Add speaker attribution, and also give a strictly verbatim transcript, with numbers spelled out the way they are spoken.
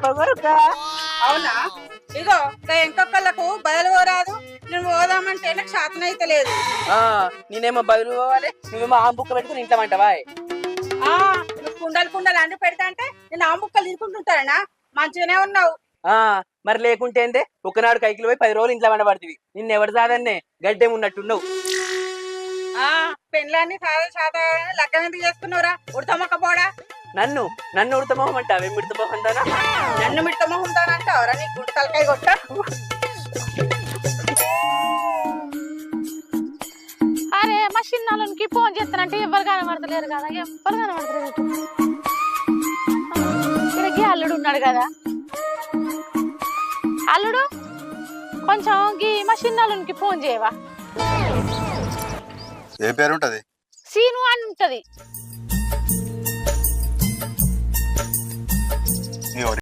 Speaker 1: పొగరుక.
Speaker 2: అవునా? ఇగో ఇంకొకళ్ళకు బయలు పోరాదు, నువ్వు పోదామంటే నాకు శాతం అయితే లేదు.
Speaker 1: నేనేమో బయలు పోవాలి, నువ్వేమో ఆమె బుక్క పెట్టుకుని ఇంట్లో అంటావా?
Speaker 2: ఆ నువ్వు కుండలు కుండలు అండి పెడతా అంటే నేను ఆ ముక్కలు తీసుకుంటుంటానా? మంచిగానే ఉన్నావు.
Speaker 1: ఆ మరి లేకుంటే ఏందే, ఒకనాడు కైకిలు పోయి పది రోజులు ఇంట్లో వండబడుతుంది. నిన్న ఎవరు సాదన్నే గడ్డేం ఉన్నట్టున్నావు.
Speaker 2: ఆ పెళ్ళాన్ని సాదా సాదా లగ్గం ఎందుకు చేసుకున్నావురా ఉడతమ్మక్క పోడా?
Speaker 1: నన్ను నన్ను ఉడతమోహం అంటావే? మిడతమోహం దానా?
Speaker 2: నన్ను మిడతమోహం దానంటావరా? నీ గుంట తలకాయ కొట్ట.
Speaker 3: అరే మా చిన్నకి ఫోన్ చేస్తానంటే ఎవరు కనబడతలేరు కదా, ఎవరు కనబడతలేరు. ఇక్కడికి అల్లుడు ఉన్నాడు కదా. అల్లుడు కొంచెం గీ మా చిన్నకి ఫోన్ చేయవా?
Speaker 4: ఏ పేరు ఉంటది?
Speaker 3: సీను అని ఉంటది.